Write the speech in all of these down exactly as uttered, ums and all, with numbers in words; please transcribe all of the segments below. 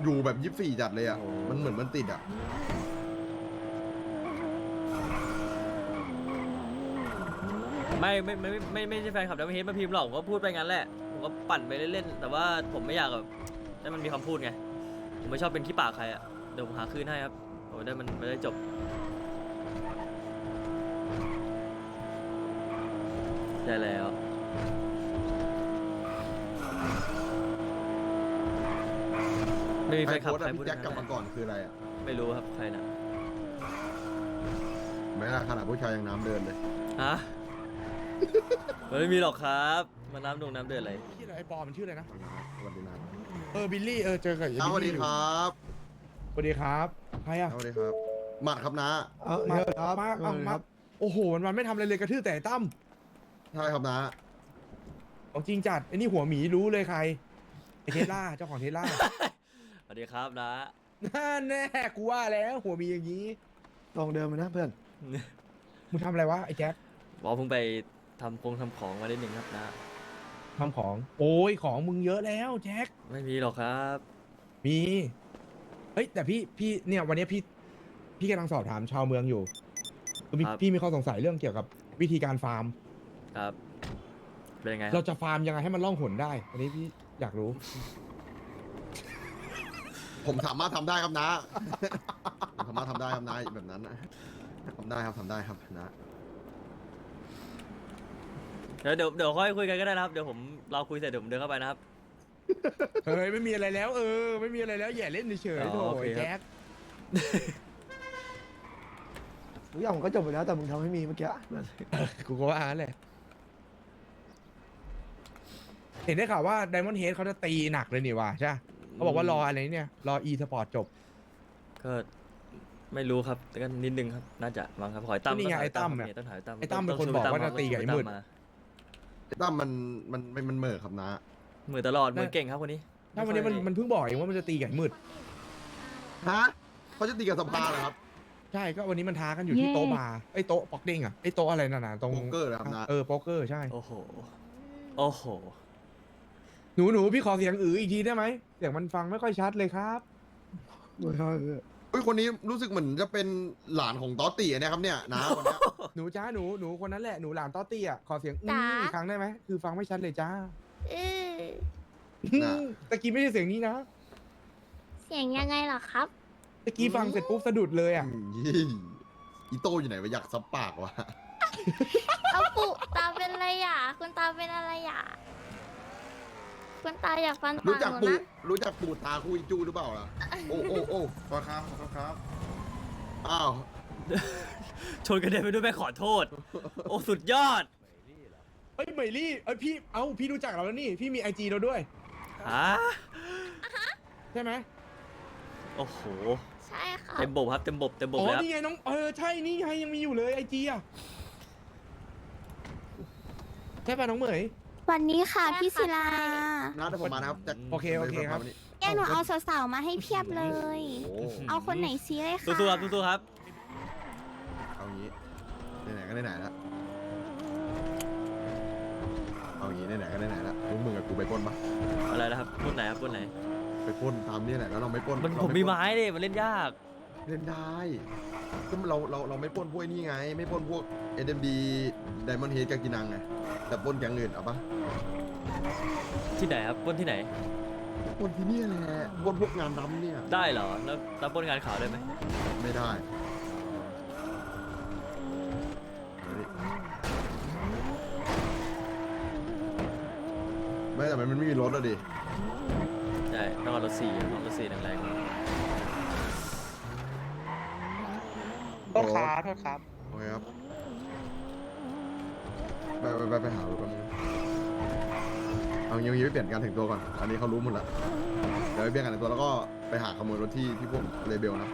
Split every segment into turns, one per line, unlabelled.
อยู่แบบยี่สิบสี่จัดเลยอ่ะมันเหมือนมันติดอ่ะ
ไม่ไม่ไม่ไม่ไม่ใช่แฟนคลับดัมเบิลเฮดมาพิมพ์หรอกผมก็พูดไปงั้นแหละผมก็ปั่นไปเล่นๆแต่ว่าผมไม่อยากแบบให้มันมีคำพูดไงผมไม่ชอบเป็นขี้ปากใครอ่ะเดี๋ยวผมหาคืนให้ครับโอ้ได้มันไม่ได้จบใช่แล้วไม่มี
ใค
แฟ
ร
นคลับ
โพสต์
ใคร
อะ
พูด
พี่แจ็คกลับ
งั้
มาน ก่อนคืออะไรอ่ะ
ไม่รู้ครับใครนะ
ไม่น่าขนาดผู้ชายยังน้ำเดินเลย
ฮะมันไม่มีหรอกครับมาน้ำดงน้ำเดือดอะไร
ชื่ออะไรไอ้ปอมันชื่ออะไรนะ
สวัสดีนะ
เออบิลลี่เออเจอกับไอ้
ส
บิล
วัสดี
ลี่อยู่
ครับ
สวัสดีครับใครอ่ะ
สวัสดีครับหมัดครับนะ
เอา
มา
เยอะครับ
มา
เอ
เอา
อค
มา
รับ
โอ้โหมันมันไม่ทำอะไรเลยกระทืบแต่ไอ้ตั้ม
ใช่ครับนะ
ของจริงจัดไอ้นี่หัวหมีรู้เลยใครไอ้เทสลาเจ้าของเทสลา
สวัสดีครับนะ
นั่นแน่กูว่าแล้วหัวหมีอย่างนี้
ตรงเดิมเลยนะเพื่อน
มึงทำอะไรวะไอ้แจ็ค
บอกเพิ่งไปทำคงทำของมาได้หนึ่งครับนะ
ทำของโอ้ยของมึงเยอะแล้วแจ็ค
ไม่มีหรอกครับ
มีเฮ้ยแต่พี่พี่เนี่ยวันนี้พี่พี่กำลังสอบถามชาวเมืองอยู่คือมี
ครับ
พี่มีข้อสงสัยเรื่องเกี่ยวกับวิธีการฟาร์ม
ครับเป็นยังไงค
เรา
รับ
จะฟาร์มยังไงให้มันล่องหนได้ อันนี้พี่อยากรู้
ผมสามารถทำได้ครับนะ ผมสามารถทำได้ครับนะแบบนั้นนะทำได้ครับทำได้ครับนะ
เดี๋ยวเดี๋ยวเดี๋ยวค่อยคุยกันก็ได้นะครับเดี๋ยวผมเราคุยเสร็จเดี๋ยวผมเดินเข้าไปนะครับ
เฮ้ยไม่มีอะไรแล้วเออไม่มีอะไรแล้วอย่าเล่นเฉย
อ๋
ๆ
อ
โถ
โอเค
ไอ้
ครับ
แจ็ค
ทุกอย่างมันก็จบไปแล้วแต่มึงทำให้มีเมื่อกี้
กูก็ว่างั้นแหละเห็นได้ข่าวว่า Diamond Head เขาจะตีหนักเลยนี่ว่ะใช่ปะเขาบอกว่ารออะไรเนี่ย รอ e สปอร์ตจบ
ก็ไม่รู้ครับแต่ก็นิดนึงครับน่าจะมั้งครับขอให้ตั้ม
ก็นี่ไง
ต้
ไอ้ตั้ม
ง
เนี่ย
ต้องถ่ายตั้ม
ไอ้ตั้มเป็นคน
ชู
บอกว่า
ตั้
จะตีกับไอ้มืด
มา
ตั้มมันมันมันมันเหม่อครับนะ
มือตลอดมือเก่งครับคนนี้
ถ้าวันนี้มันมันเพิ่งบอกเองว่ามันจะตีกับไอ้มืด
ฮะเขาจะตีกับสภาเหรอครับ
ใช่ก็วันนี้มันท้ากันอยู่ที่โต๊ะบาร์ไอ้โต๊ะป๊อกเด้งอ่ะไอ้โต๊ะอะไรนั่นน่ะตรง
โป๊กเกอร์เหรอครับนะ
เออโป๊กเกอร์ใช่
โอ้โหโอ้โห
หนูหนูพี่ขอเสียงอืออีกทีได้ไหมเสียงมันฟังไม่ค่อยชัดเลยครับ
ไม่ใช่เพื่อน
เฮ้ยคนนี้รู้สึกเหมือนจะเป็นหลานของต๊อตตี้นะครับเนี่ยนะคนเนี้ย
หนูจ้าหนูหนูคนนั้นแหละหนูหลานต้อตี้อ่ะขอเสียงอื
จ๋า
ออีกครั้งได้ไหมคือฟังไม่ชัดเลยจ้า
เออ
น่ะ
ตะกี้ไม่ใช่เสียงนี้นะ
เสียงยังไงเหรอครับ
ตะกี้ฟังเสร็จปุ๊บสะดุดเลยอ่ะ
อืมยี่อีโต้อยู่ไหนวะอยากซับปากวะ
เอาปุตาเป็นอะไรอ่ะ คุณตาเป็นอะไรอ่ะ คุณตาอยากฟันปา
รู้
ก
จัก
หนู
ปู
นะ
รู้จักปูตาคุยจูหรือเปล่าล่ะโอ้โอ้โอ้ขอครับขอครับอ้าว
ชนกระเด็นไปด้วยแม่ขอโทษ โอ้สุดยอด
เอ้ยเหมยลี่เอ้ยพี่เอ้าพี่รู้จักเราแล้วนี่พี่มีไอจีเราด้วย
ฮะ
ใช่ไหม
โอ้โห
ใช่ค่ะ
เต็มบบครับเต็มบบเต็มบบ
อ๋อ
เลยครับ
นี่ไงน้องเออใช่นี่ไงยังมีอยู่เลยไอจีอ่ะใช่ป่ะน้องเหมย
วันนี้ค่ะพี่ศิลา
นะเดี๋ยวผมมานะครับจะ
โอเคโอเคครับ
แกหนูเอาสาวๆมาให้เพียบเลย
โอ้
เอาคนไหนซีเลยค่ะ
สู้ๆครับสู้ๆครับ
เอางี้ไหนๆก็ไหนๆแล้วเอางี้ไหนๆก็ไหนๆแล้วพวกมึงกับกูไปปล้นปะ
อะไรนะครับปล้นไหนครับปล้นไหน
ไปปล้นตามนี่แหละแล้วเราไม่ปล้น
มัน
เรา
ผม
ไป
มี
ล้น
ไม้ดิมันเล่นยาก
เล่นได้ก็เราเราเราไม่ปล้นพวกนี่ไง ไม่ปล้นพวก เอ็ม ดี Diamond Head กากินังไงแต่ปล้นแก๊งอื่นเอาปะ
ที่ไหนครับปล้นที่ไหน
ปล้นที่นี่แหละปล้นพวกงานดำเนี่ย
ได้เหรอแล้วแล้วปล้นงานข่าวได้ไหม
ไม่ได้เอาดิไม่แต่มันไม่มีรถอะดิ
ใช่ต้องเอารถสี่ต้องรถสี่แรงๆ
โทษครับโทษครับ
โอเคครับไปไปไปไปหารถแป๊บนึงเอางี้เอางี้ไปเปลี่ยนการแต่งตัวก่อน อันนี้เขารู้หมดแล้วเดี๋ยวไปเปลี่ยนการแต่งตัวแล้วก็ไปหาขโมยรถที่ที่พวกเลเบลนะ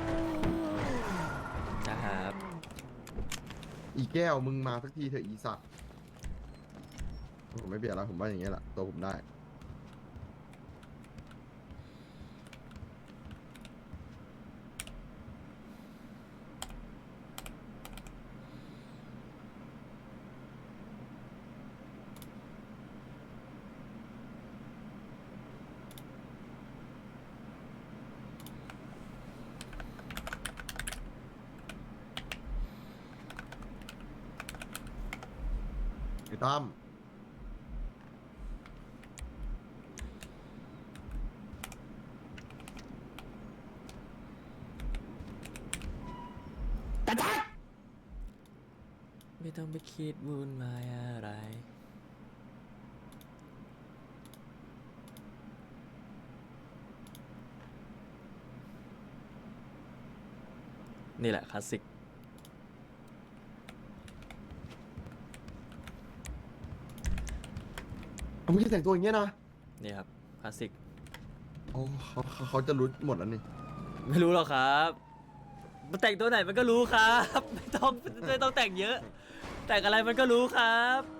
นะครับ
อีแก้วมึงมาสักทีเถอะอีสัตว์ผมไม่เปลี่ยนแล้วผมว่าอย่างเงี้ยแหละตัวผมได้พี่ตั้ม
ไม่ต้องไปคิดวุ่นวายอะไรนี่แหละคลาสสิก
เอามึงจะแต่งตัวอย่างเงี้ยนะ
นี่ครับคลาสสิก
โอ้เขาเขาเขาจะรู้หมดแล้วนี่
ไม่รู้หรอกครับมันแต่งตัวไหนมันก็รู้ครับ ไม่ต้องไม่ต้องแต่งเยอะ แต่งอะไรมันก็รู้ครับ